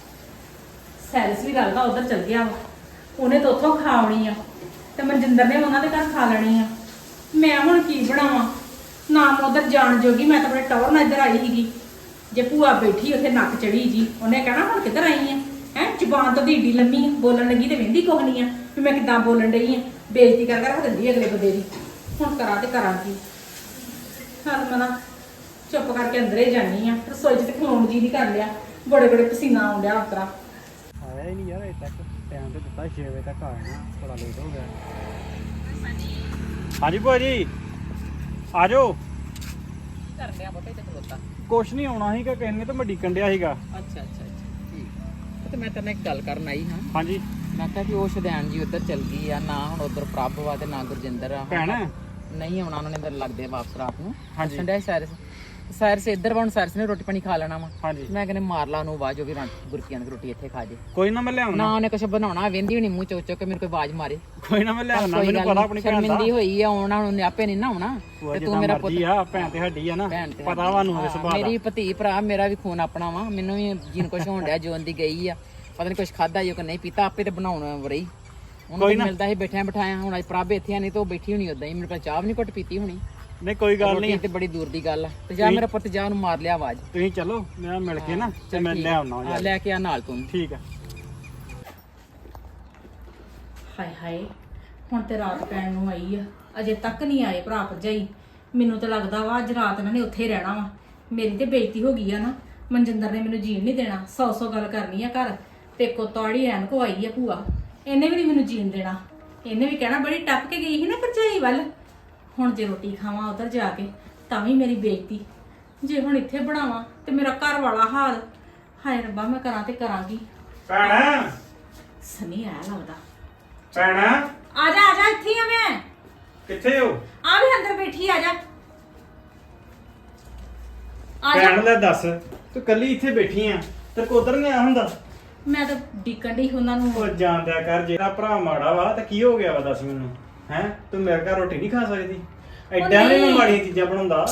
ਸੈਲਸ ਵੀ ਲੱਗਦਾ ਉਧਰ ਚਲ ਗਿਆ ਵਾ ਉਹਨੇ ਤਾਂ ਉੱਥੋਂ ਖਾਵਣੀ ਆ ਤੇ ਮਨਜਿੰਦਰ ਨੇ ਉਹਨਾਂ ਦੇ ਘਰ ਖਾ ਲੈਣੀ ਆ। ਮੈਂ ਹੁਣ ਕੀ ਬਣਾਵਾਂ ਨਾ ਮੈਂ ਉਧਰ ਜਾਣ ਜੋਗੀ ਮੈਂ ਤਾਂ ਆਪਣੇ ਟਵਰ ਨਾਲ ਇੱਧਰ ਆਈ ਸੀਗੀ। ਜੇ ਭੂਆ ਬੈਠੀ ਉੱਥੇ ਨੱਕ ਚੜੀ ਜੀ ਉਹਨੇ ਕਹਿਣਾ ਹੁਣ ਕਿੱਧਰ ਆਈ ਆ ਹੈ ਜ਼ੁਬਾਨ ਤਾਂ ਢੀਡੀ ਲੰਮੀ ਆ ਬੋਲਣ ਲੱਗੀ ਤੇ ਵਹਿੰਦੀ ਕੁਛ ਨਹੀਂ ਆ ਵੀ ਮੈਂ ਕਿੱਦਾਂ ਬੋਲਣ ਡਈ ਆ ਬੇਇੱਜ਼ਤੀ ਕਰ ਕਰ ਰੱਖ ਦਿੰਦੀ ਅਗਲੇ ਬੰਦੇ ਦੀ। ਹੁਣ ਕਰਾਂ ਤੇ ਕਰਾਂ ਕੀ ਹਾਂ ਮਨਾ ਚੁੱਪ ਕਰਕੇ ਅੰਦਰੇ ਜਾਨੀ ਆ ਰਸੋਈ 'ਚ ਤੇ ਖਲੋਣ ਜੀ ਨਹੀਂ ਕਰ ਲਿਆ ਬੜੇ ਬੜੇ ਪਸੀਨਾ ਆਉਣ ਡਿਆ ਉਤਰਾ। ਆਇਆ ਹੀ ਨਹੀਂ ਯਾਰ ਅਜੇ ਤੱਕ ਟਾਈਮ ਤੇ ਦਿੱਤਾ ਛੇ ਵਜੇ ਤੱਕ ਆ ਜਾਣਾ ਬੜਾ ਲੇਟ ਹੋ ਗਿਆ। ਹਾਂਜੀ ਭੂਆ ਜੀ ਆ ਜਾਓ। ਕਰ ਲਿਆ ਬਾਬੇ ਤੇ ਖਲੋਤਾ ਕੁਛ ਨਹੀਂ ਆਉਣਾ ਸੀਗਾ ਕਿਸੇ ਨੇ ਤਾਂ ਮੈਂ ਡੀਕਣ ਡਿਆ ਸੀਗਾ। ਅੱਛਾ ਅੱਛਾ ਅੱਛਾ ਠੀਕ ਆ। ਤੇ ਮੈਂ ਤੇਰੇ ਨਾਲ ਇੱਕ ਗੱਲ ਕਰਨ ਆਈ ਹਾਂ ਹਾਂਜੀ ਮੈਂ ਕਿਹਾ ਕਿ ਉਹ ਸ਼ਦੈਨ ਜੀ ਉੱਧਰ ਚਲ ਗਈ ਆ ਨਾ ਹੁਣ ਉੱਧਰ ਪ੍ਰਭ ਵਾ ਤੇ ਨਾ ਗੁਰਜਿੰਦਰ ਆ ਭੈਣ ਨਹੀਂ ਆਉਣਾ ਉਹਨਾਂ ਨੇ ਇੱਧਰ ਲੱਗਦੇ ਵਾਪਸ ਰਾਤ ਨੂੰ ਹਾਂਜੀ। ਸੰਡੇ ਸਾਇਰਸ ਸਾਇਰਸ ਇੱਧਰ ਵਾ ਹੁਣ ਸਾਇਰਸ ਨੇ ਰੋਟੀ ਪਾਣੀ ਖਾ ਲੈਣਾ ਵਾ ਹਾਂਜੀ ਮੈਂ ਕਹਿੰਦੇ ਮਾਰ ਲਾ ਉਹਨੂੰ ਆਵਾਜ਼ ਉਹ ਵੀ ਰਾਂ- ਗੁਰਕੀਆਂ ਦੀ ਰੋਟੀ ਇੱਥੇ ਖਾ ਜੇ ਕੋਈ ਨਾ ਮੈਂ ਲਿਆਉਣਾ ਨਾ ਉਹਨੇ ਕੁਛ ਬਣਾਉਣਾ ਵਹਿੰਦੀ ਹੋਣੀ ਮੂੰਹ ਚੁੱਕ ਚੁੱਕ ਕੇ ਮੈਨੂੰ ਕੋਈ ਆਵਾਜ਼ ਮਾਰੇ ਕੋਈ ਨਾ ਮੈਂ ਲਿਆਉਣਾ ਕੋਈ ਮੈਨੂੰ ਗੱਲ ਪਤਾ ਨੀ, ਆਪਣੀ ਭੈਣ ਦਾ ਸ਼ਰਮਿੰਦੀ ਹੋਈ ਆ ਆਉਣਾ ਉਹਨੇ ਆਪੇ ਨਹੀਂ ਨਾ ਆਉਣਾ ਭੂਆ ਤੇ ਤੂੰ ਮੇਰਾ ਪੁੱਤ ਮਰਜ਼ੀ ਆ ਭੈਣ ਤੇ ਸਾਡੀ ਆ ਨਾ ਭੈਣ ਤੇ ਪਤਾ ਵਾ ਨੂੰ ਉਹਦੇ ਸੁਭਾਅ ਦਾ। ਮੇਰੀ ਭਤੀ ਭਰਾ ਮੇਰਾ ਵੀ ਖੂਨ ਆਪਣਾ ਵਾ ਮੈਨੂੰ ਵੀ ਜੀਨ ਕੁਛ ਹੋਣ ਡਿਆ ਜੋਨ ਦੀ ਗਈ ਆ ਪਤਾ ਨਹੀਂ ਕੁਛ ਖਾਦਾ ਜੋ ਕਿ ਨਹੀਂ ਪੀਤਾ ਆਪੇ ਤੇ ਬਣਾਉਣਾ ਵਰਈ ਉਹਨੂੰ ਤਾਂ ਮਿਲਦਾ ਸੀ ਬੈਠਿਆਂ ਬਿਠਾਇਆ ਹੁਣ ਅੱਜ ਪ੍ਰਭ ਇੱਥੇ ਆ ਨਹੀਂ ਤਾਂ ਉਹ ਬੈਠੀ ਹੋਣੀ ਉਦਾਂ ਹੀ ਮੇਰੇ ਕੋਲ ਚਾਹ ਵੀ ਨਹੀਂ ਘੁੱਟ ਪੀਤੀ ਹੋਣੀ ਨਹੀਂ ਕੋਈ ਗੱਲ ਨਹੀਂ ਰੋਟੀ ਤੇ ਬੜੀ ਦੂਰ ਦੀ ਗੱਲ ਆ ਤੇ ਜਾ ਮੇਰਾ ਪੁੱਤ ਜਾ ਉਹਨੂੰ ਮਾਰ ਲਿਆ ਆਵਾਜ਼ ਤੁਸੀਂ ਚਲੋ ਮੈਂ ਮਿਲ ਕੇ ਨਾ ਤੇ ਮੈਂ ਲਿਆਉਣਾ ਆ ਯਾਰ ਲੈ ਕੇ ਆ ਨਾਲ ਤੂੰ ਠੀਕ ਆ। ਹਾਏ ਹਾਏ ਹੁਣ ਤੇ ਰਾਤ ਪੈਣ ਨੂੰ ਆਈ ਆ ਅਜੇ ਤੱਕ ਨਹੀਂ ਆਏ ਭਰਾ ਭਰਜਾਈ। ਮੈਨੂੰ ਤਾਂ ਲੱਗਦਾ ਵਾ ਅੱਜ ਰਾਤ ਇਹਨਾਂ ਨੇ ਉੱਥੇ ਹੀ ਰਹਿਣਾ ਵਾ। ਮੇਰੀ ਤੇ ਬੇਇੱਜ਼ਤੀ ਹੋ ਗਈ ਆ ਨਾ ਮਨਜਿੰਦਰ ਨੇ ਮੈਨੂੰ ਜੀਣ ਨਹੀਂ ਦੇਣਾ ਸੌ ਸੌ ਗੱਲ ਕਰਨੀ ਆ ਘਰ ਤੇ ਕੋ ਤਾੜੀ ਐਨ ਕੋ ਆਈ ਆ ਭੂਆ ਇਹਨੇ ਵੀ ਨਹੀਂ ਮੈਨੂੰ ਜੀਣ ਦੇਣਾ। ਇਹਨੇ ਵੀ ਕਹਿਣਾ ਬੜੀ ਟੱਪ ਕੇ ਗਈ ਸੀ ਨਾ ਭਰਜਾਈ ਵੱਲ। ਹੁਣ ਜੇ ਰੋਟੀ ਖਾਵਾਂ ਉਧਰ ਜਾ ਕੇ ਤਾਂ ਵੀ ਮੇਰੀ ਬੇਇੱਜ਼ਤੀ ਜੇ ਹੁਣ ਇੱਥੇ ਬਣਾਵਾਂ ਤੇ ਮੇਰਾ ਘਰ ਵਾਲਾ ਹਾਲ ਹਾਏ ਰੱਬਾ ਮੈਂ ਕਰਾਂ ਤੇ ਕਰਾਂਗੀ। ਭੈਣ ਸਨੀ ਆਇਆ ਲੱਗਦਾ ਭੈਣ ਆ ਜਾ ਆ ਜਾ ਇੱਥੇ ਹੀ ਆ ਮੈਂ ਕਿੱਥੇ ਹੋ ਆ ਵੀ ਅੰਦਰ ਬੈਠੀ ਆ ਜਾ ਆ ਜਾ ਭੈਣ ਲੈ ਦੱਸ ਤੂੰ ਕੱਲੀ ਇੱਥੇ ਬੈਠੀ ਆ ਤੇ ਕੋਦਰ ਨਹੀਂ ਆਇਆ ਹੁੰਦਾ। ਮੈਂ ਤਾਂ ਡਿੱਕਣ ਡਈ ਉਹਨਾਂ ਨੂੰ ਉਹ ਜਾਣਦਿਆ ਕਰ ਜਿਹੜਾ ਭਰਾ ਮਾੜਾ ਵਾ ਤੇ ਕੀ ਹੋ ਗਿਆ ਵਾ ਦੱਸ ਮੈਨੂੰ ਹੈ ਤੂੰ ਮੇਰੇ ਘਰ ਰੋਟੀ ਨਹੀਂ ਖਾ ਸਕਦੀ ਐਡਾ ਵੀ ਮੈਂ ਮਾੜੀਆਂ ਚੀਜ਼ਾਂ ਬਣਾਉਂਦਾ।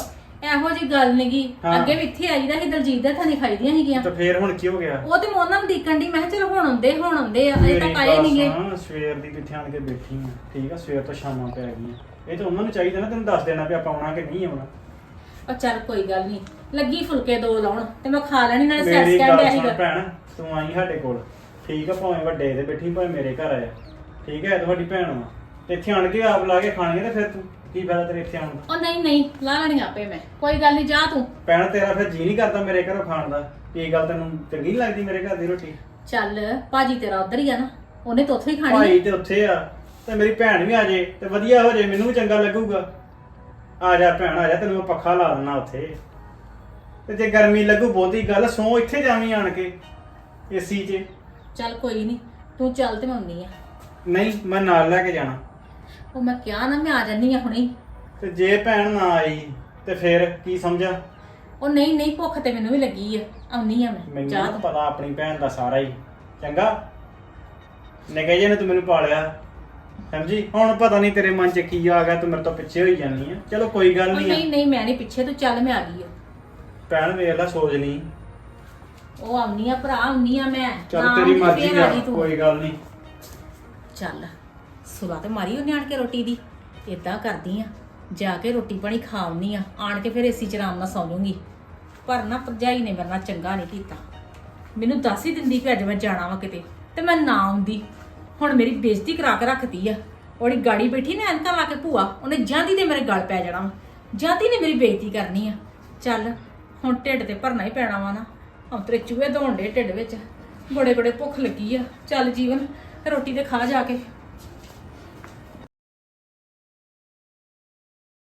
ਇਹੋ ਜੀ ਗੱਲ ਨਹੀਂਗੀ। ਹਾਂ। ਅੱਗੇ ਵੀ ਇੱਥੇ ਆਈਦਾ ਸੀ ਦਲਜੀਤ ਦੇ ਥਾਂ ਖਾਈਦੀਆਂ ਸੀਗੀਆਂ। ਤੇ ਫੇਰ ਹੁਣ ਕੀ ਹੋ ਗਿਆ? ਉਹ ਤੇ ਮੈਂ ਉਹਨਾਂ ਨੂੰ ਦੇਖਣ ਦੀ, ਮੈਂ ਕਿਹਾ ਚਲੋ ਹੁਣ ਆਉਂਦੇ ਹੁਣ ਆਉਂਦੇ ਆ, ਅਜੇ ਮੇਰੀ ਤੱਕ ਆਏ ਗੱਲ ਨਹੀਂਗੇ। ਸੁਣ, ਸਵੇਰ ਦੀ ਕਿੱਥੇ ਆਣ ਕੇ ਬੈਠੀ ਆ, ਠੀਕ ਆ, ਸਵੇਰ ਤੋਂ ਸ਼ਾਮਾਂ ਪੈ ਗਈਆਂ। ਇਹ ਤਾਂ ਉਹਨਾਂ ਨੂੰ ਚਾਹੀਦਾ ਨਾ ਤੈਨੂੰ ਦੱਸ ਦੇਣਾ ਵੀ ਆਪਾਂ ਆਉਣਾ ਕਿ ਨਹੀਂ ਆਉਣਾ। ਉਹ ਚੱਲ ਕੋਈ ਗੱਲ ਨਹੀਂ, ਲੱਗੀ ਫੁਲਕੇ ਦੋ ਲਾਉਣ ਤੇ ਮੈਂ ਖਾ ਲੈਣੀ, ਨਾਲੇ ਮੇਰੀ ਸੈਸ ਗੱਲ ਕਹਿੰਦੇ ਸੁਣ ਸੀਗਾ। ਭੈਣ, ਤੂੰ ਆਈ ਸਾਡੇ ਕੋਲ, ਠੀਕ ਆ, ਭਾਵੇਂ ਵੱਡੇ ਤੇ ਬੈਠੀ ਭਾਵੇਂ ਮੇਰੇ ਘਰ ਆਇਆ, ਠੀਕ ਹੈ, ਤੁਹਾਡੀ ਭੈਣ ਵਾ, ਤੇ ਇੱਥੇ ਆਣ ਕੇ ਆਪ ਲਾ ਕੇ ਖਾਣੀ ਤੇ ਫਿਰ ਤੂੰ ਕੀ ਫਾਇਦਾ ਤੇਰੇ ਇੱਥੇ ਆਉਣ ਦਾ? ਉਹ ਨਹੀਂ ਨਹੀਂ, ਲਾ ਲੈਣੀ ਆਪੇ ਮੈਂ, ਕੋਈ ਗੱਲ ਨਹੀਂ, ਜਾ ਤੂੰ। ਭੈਣ ਤੇਰਾ ਫਿਰ ਜੀ ਨਹੀਂ ਕਰਦਾ ਮੇਰੇ ਘਰੋਂ ਖਾਣ ਦਾ? ਕੀ ਗੱਲ ਤੈਨੂੰ ਚੰਗੀ ਨੀ ਲੱਗਦੀ ਮੇਰੇ ਘਰ ਦੀ ਰੋਟੀ? ਚੱਲ ਭਾਜੀ ਤੇਰਾ ਉਧਰ ਹੀ ਆ ਨਾ, ਉਹਨੇ ਤਾਂ ਉੱਥੇ ਹੀ ਖਾਣੀ ਭਾਈ ਆ। ਤੇ ਉੱਥੇ ਆ, ਤੇ ਮੇਰੀ ਭੈਣ ਵੀ ਆ ਜੇ ਤੇ ਵਧੀਆ ਹੋ ਜੇ, ਮੈਨੂੰ ਵੀ ਚੰਗਾ ਲੱਗੂਗਾ। ਆ ਜਾ ਭੈਣ ਆ ਜਾ, ਤੈਨੂੰ ਮੈਂ ਪੱਖਾ ਲਾ ਦਿੰਦਾ ਉੱਥੇ, ਤੇ ਜੇ ਗਰਮੀ ਲੱਗੂ ਬਹੁਤੀ ਗੱਲ ਸੌ ਇੱਥੇ ਜਾਵੀਂ ਆਣ ਕੇ ਏਸੀ 'ਚ। ਚੱਲ ਕੋਈ ਨਹੀਂ, ਤੂੰ ਚੱਲ ਤੇ ਮੈਂ ਆਉਂਦੀ ਆ। ਨਹੀਂ, ਮੈਂ ਨਾਲ ਲੈ ਕੇ ਜਾਣਾ। ਉਹ ਮੈਂ ਕਿਹਾ ਨਾ ਮੈਂ ਆ ਜਾਨੀ ਆ ਹੁਣੇ। ਤੇ ਜੇ ਭੈਣ ਨਾ ਆਈ ਤੇ ਫਿਰ ਕੀ ਸਮਝਾ? ਉਹ ਨਹੀਂ ਨਹੀਂ, ਭੁੱਖ ਤੇ ਮੈਨੂੰ ਵੀ ਲੱਗੀ ਆ, ਆਉਣੀ ਆ ਮੈਂ, ਮੈਨੂੰ ਜਾ ਨਾ ਤੂੰ। ਪਤਾ ਆਪਣੀ ਭੈਣ ਦਾ ਸਾਰਾ ਹੀ, ਚੰਗਾ ਨਿੱਕੇ ਜਿਹੇ ਨੇ ਤੂੰ ਮੈਨੂੰ ਪਾਲਿਆ, ਸਮਝੀ? ਹੁਣ ਪਤਾ ਨਹੀਂ ਤੇਰੇ ਮਨ 'ਚ ਕੀ ਆ ਗਿਆ, ਤੂੰ ਮੇਰੇ ਤੋਂ ਪਿੱਛੇ ਹੋਈ ਜਾਂਦੀ ਆ। ਚਲੋ ਕੋਈ ਗੱਲ ਉਹ ਨਹੀਂ ਨਹੀਂ ਆ। ਨਹੀਂ, ਮੈਂ ਨਹੀਂ ਪਿੱਛੇ, ਤੂੰ ਚੱਲ, ਮੈਂ ਆ ਗਈ ਆ। ਭੈਣ ਵੇਖ ਲੈ, ਸੋਚ ਲਈ। ਉਹ ਆਉਣੀ ਆ ਭਰਾ, ਆਉਣੀ ਆ ਮੈਂ। ਚੱਲ ਨਾ ਤੇਰੀ ਆਉਂਦੀ ਮਰਜ਼ੀ ਫੇਰ ਆ, ਆ ਗਈ ਤੂੰ। ਕੋਈ ਗੱਲ ਨਹੀਂ। ਚੱਲ ਸੁਲਾ ਤੇ ਮਾਰੀ ਉਹਨੇ ਆਣ ਕੇ ਰੋਟੀ ਦੀ। ਏਦਾਂ ਕਰਦੀ ਆ, ਜਾ ਕੇ ਰੋਟੀ ਪਾਣੀ ਖਾ ਆਉਣੀ ਆ, ਆਣ ਕੇ ਫਿਰ ਏਸੀ ਚ ਆਰਾਮ ਨਾਲ ਸੌਂ ਜਾਊਂਗੀ। ਪਰ ਨਾ ਭਰਜਾਈ ਨੇ ਮੇਰੇ ਨਾਲ ਚੰਗਾ ਨਹੀਂ ਕੀਤਾ। ਮੈਨੂੰ ਦੱਸ ਹੀ ਦਿੰਦੀ ਕਿ ਅੱਜ ਮੈਂ ਜਾਣਾ ਵਾ ਕਿਤੇ, ਤੇ ਮੈਂ ਨਾ ਆਉਂਦੀ। ਹੁਣ ਮੇਰੀ ਬੇਇੱਜ਼ਤੀ ਕਰਾ ਕੇ ਰੱਖਤੀ ਆ। ਉਹਦੀ ਗਾੜੀ ਬੈਠੀ ਨੇ ਐਨਕਾਂ ਲਾ ਕੇ ਭੂਆ, ਉਹਨੇ ਜਾਂਦੀ ਤੇ ਮੇਰੇ ਗਲ ਪੈ ਜਾਣਾ ਵਾ, ਜਾਂਦੀ ਨੇ ਮੇਰੀ ਬੇਇੱਜ਼ਤੀ ਕਰਨੀ ਆ। ਚੱਲ ਹੁਣ ਢਿੱਡ ਤੇ ਭਰਨਾ ਹੀ ਪੈਣਾ ਵਾ ਨਾ, ਅੰਤਰੇ ਚੂਹੇ ਦੌਣ ਡੇ ਢਿੱਡ ਵਿੱਚ, ਬੜੇ ਬੜੇ ਭੁੱਖ ਲੱਗੀ ਆ। ਚੱਲ ਜੀਵਨ, ਰੋਟੀ ਤੇ ਖਾ ਜਾ ਕੇ।